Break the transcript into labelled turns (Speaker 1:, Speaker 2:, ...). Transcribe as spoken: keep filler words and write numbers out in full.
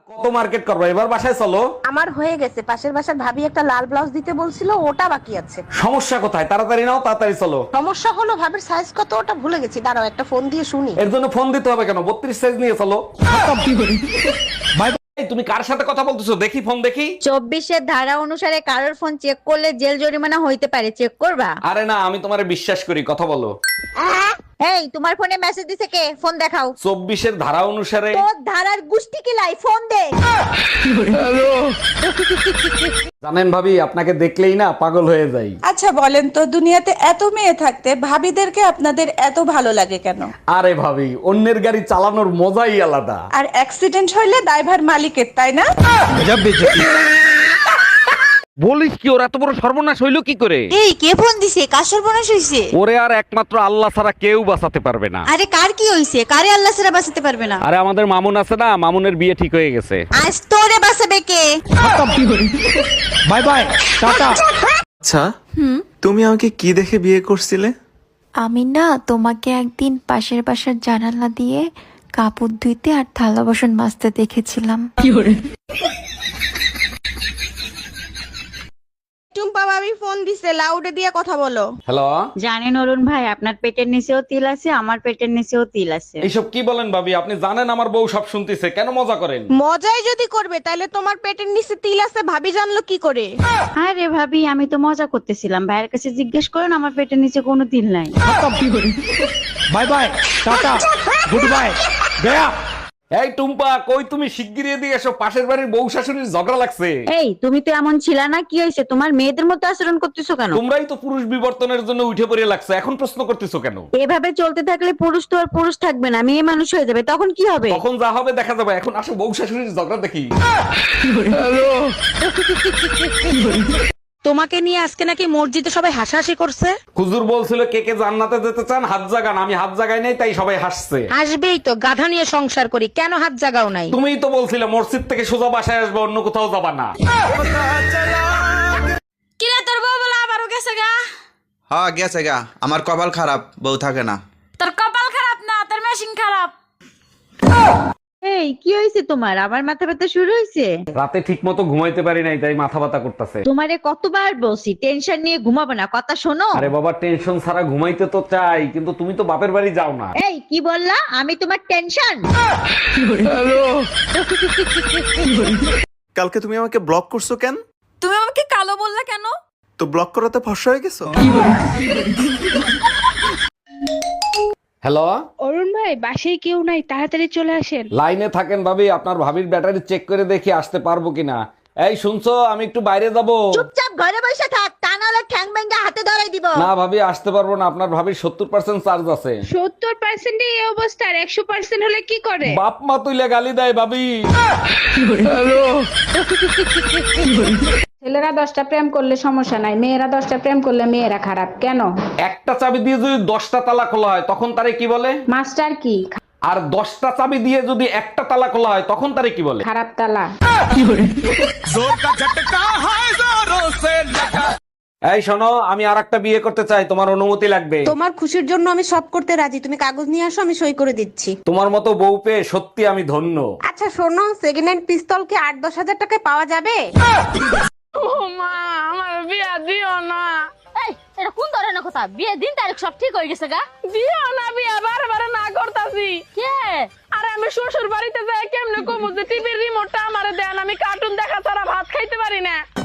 Speaker 1: কত মার্কেট করবো, এবার বাসায় চলো।
Speaker 2: আমার হয়ে গেছে, পাশের বাসার ভাবি একটা লাল ব্লাউজ দিতে বলছিল, ওটা বাকি আছে।
Speaker 1: সমস্যা কোথায়? তাড়াতাড়ি নাও, তাড়াতাড়ি চলো।
Speaker 2: সমস্যা হলো ভাবির সাইজ কত ওটা ভুলে গেছি, দাঁড়াও একটা ফোন দিয়ে শুনি।
Speaker 1: এর জন্য ফোন দিতে হবে কেন? বত্রিশ সাইজ নিয়ে চলো। Bye bye. তুমি কার সাথে কথা বলতেছো? দেখি ফোন দেখি।
Speaker 3: চব্বিশের ধারা অনুসারে কারোর ফোন চেক করলে জেল জরিমানা হইতে পারে, চেক করবা?
Speaker 1: আরে না, আমি তোমারে বিশ্বাস করি, কথা বলো।
Speaker 3: এই তোমার ফোনে মেসেজ দিছে কে? ফোন দেখাও।
Speaker 1: চব্বিশের ধারা অনুসারে।
Speaker 3: তোর ধারার গুষ্টি কিলাই, ফোন দে।
Speaker 1: জানেন ভাবি, আপনাকে দেখলেই না পাগল হয়ে যাই।
Speaker 4: আচ্ছা বলেন তো, দুনিয়াতে এত মেয়ে থাকতে ভাবিদেরকে আপনাদের এত ভালো লাগে কেন?
Speaker 1: আরে ভাবি, অন্যের গাড়ি চালানোর মজাই আলাদা।
Speaker 4: আর অ্যাক্সিডেন্ট হইলে ড্রাইভার মালিকের, তাই না?
Speaker 1: বলিস কি, ওর এত বড় সর্বনাশ হইলো কি করে?
Speaker 3: এই কে ফোন দিছে? কার সর্বনাশ হইছে?
Speaker 1: ওরে আর একমাত্র আল্লাহ ছাড়া কেউ বাঁচাতে পারবে না।
Speaker 3: আরে কার কি হইছে? কারে আল্লাহ ছাড়া বাঁচাতে পারবে না?
Speaker 1: আরে আমাদের মামুন আছে না, মামুনের বিয়ে ঠিক হয়ে গেছে।
Speaker 3: আজ তোরে বাঁচাবে কে?
Speaker 1: By bye, tata.
Speaker 5: আচ্ছা, তুমি আমাকে কি দেখে বিয়ে করছিলে?
Speaker 6: আমি না তোমাকে একদিন পাশের বাসার জানালা দিয়ে কাপড় ধুইতে আর থালা বাসন মাজতে দেখেছিলাম।
Speaker 2: টুম্পা ভাবি ফোন দিছে, লাউডে দিয়ে কথা বলো।
Speaker 1: হ্যালো।
Speaker 3: জানেন অরুণ ভাই, আপনার পেটের নিচেও তিল আছে, আমার পেটের নিচেও তিল আছে।
Speaker 1: এইসব কি বলেন ভাবি? আপনি জানেন আমার বউ সব শুনতেছে, কেন মজা করেন?
Speaker 2: মজাই যদি করবে তাহলে তোমার পেটের নিচে তিল আছে ভাবি জানলো কি করে?
Speaker 3: আরে ভাবি, আমি তো মজা করতেছিলাম। ভাইয়ের কাছে জিজ্ঞেস করেন, আমার পেটের নিচে কোনো তিল নাই।
Speaker 1: Bye bye, tata, good bye, গয়া। এই টুম্পা, কই তুমি? শিগগিরই এদিকে এসো, পাশের বাড়ির বউ শাশুড়ির ঝগড়া লাগছে।
Speaker 3: এই তুমি তো এমন ছিলা না, কি হয়েছে? তোমার মেয়েদের মতো আচরণ করতেছো কেন?
Speaker 1: তোমরাই তো পুরুষ বিবর্তনের জন্য উঠে পড়ে লাগছে, এখন প্রশ্ন করতেছো কেন?
Speaker 3: এভাবে চলতে থাকলে পুরুষ তো আর পুরুষ থাকবে না, মেয়ে মানুষ হয়ে যাবে, তখন কি হবে?
Speaker 1: তখন যা হবে দেখা যাবে। এখন আসো বউ শাশুড়ির ঝগড়া দেখি।
Speaker 2: তোমাকে নিয়ে আজকে নাকি মসজিদে সবাই হাসাহাসি করছে।
Speaker 1: হুজুর বলছিল কে কে জান্নাতে যেতে চান হাত জাগান, আমি হাত জাগাই নাই, তাই সবাই হাসছে।
Speaker 2: আসবেই তো, গাধা নিয়ে সংসার করি, কেন হাত জাগাও নাই?
Speaker 1: তুমিই তো বলছিলে মসজিদ থেকে সোজা বাসায় আসবে, অন্য কোথাও যাবা না।
Speaker 2: কিরে তোর বউ বলে আবারও গেছে গা?
Speaker 5: হ্যাঁ গেছে গা, আমার কপাল খারাপ, বউ থাকে না।
Speaker 2: তোর কপাল খারাপ না, তোর মেশিন খারাপ।
Speaker 3: এই কি হয়েছে তোমার? আবার মাথা ব্যথা শুরু হয়েছে?
Speaker 1: রাতে ঠিক মতো ঘুমাইতে পারি নাই, তাই মাথা ব্যথা করতেছে।
Speaker 3: তোমারে কতবার বলছি টেনশন নিয়ে ঘুমাবো না, কথা শোনো।
Speaker 1: আরে বাবা, টেনশন ছাড়া ঘুমাইতে তো চাই, কিন্তু তুমি তো বাপের বাড়ি যাও না।
Speaker 3: এই কি বললা? আমি তোমার টেনশন?
Speaker 5: কালকে তুমি আমাকে ব্লক করছো কেন?
Speaker 2: তুমি আমাকে কালো বললা কেন?
Speaker 5: তো ব্লক করাতে ফর্সা হয়ে গেছো?
Speaker 1: হ্যালো।
Speaker 7: অরুণ ভাই, বাসায় কেউ নাই, তাড়াতাড়ি চলে আসেন।
Speaker 1: লাইনে থাকেন ভাবি, আপনার ভাবির ব্যাটারি চেক করে দেখি আসতে পারবো কিনা। এই শুনছো, আমি একটু বাইরে যাব।
Speaker 3: চুপচাপ ঘরে বসে থাক, তা নাহলে ঠ্যাং ভেঙে হাতে ধরাই দিব।
Speaker 1: না ভাবি, আসতে পারবো না, আপনার ভাবির সত্তর পার্সেন্ট চার্জ আছে।
Speaker 7: সত্তর পার্সেন্ট এই অবস্থা, আর একশো পার্সেন্ট হলে কি করে?
Speaker 1: বাপ মা তুইলে গালি দেয় ভাবি।
Speaker 8: ছেলেরা দশটা প্রেম করলে সমস্যা নাই, মেয়েরা দশটা প্রেম করলে মেয়েরা খারাপ কেন?
Speaker 1: একটা চাবি দিয়ে যদি দশটা তালা খোলা হয় তখন তারে কি বলে?
Speaker 8: মাস্টার কি?
Speaker 1: আর দশটা চাবি দিয়ে যদি একটা তালা খোলা হয় তখন তারে কি বলে?
Speaker 8: খারাপ তালা।
Speaker 1: এই শোনো, আমি আর একটা বিয়ে করতে চাই, তোমার অনুমতি লাগবে।
Speaker 2: তোমার খুশির জন্য আমি সব করতে রাজি, তুমি কাগজ নিয়ে আসো, আমি সই করে দিচ্ছি।
Speaker 1: তোমার মতো বউ পেয়ে সত্যি আমি ধন্য।
Speaker 2: আচ্ছা শোনো, সেকেন্ড হ্যান্ড পিস্তল কি আট দশ হাজার টাকায় পাওয়া যাবে?
Speaker 7: ও মা, আমার বিয়া দিও না।
Speaker 3: এই এটা কোন ধরনের কথা? বিয়ে দিন তারিখ সব ঠিক হয়ে গেছে গা।
Speaker 7: দিও না বিয়া, বারবার না করতাছি।
Speaker 3: কে?
Speaker 7: আরে আমি শ্বশুর বাড়িতে যাই কেমনে কমু যে টিভির রিমোটটা আমারে দেন, আমি কার্টুন দেখা ছাড়া ভাত খাইতে পারি না।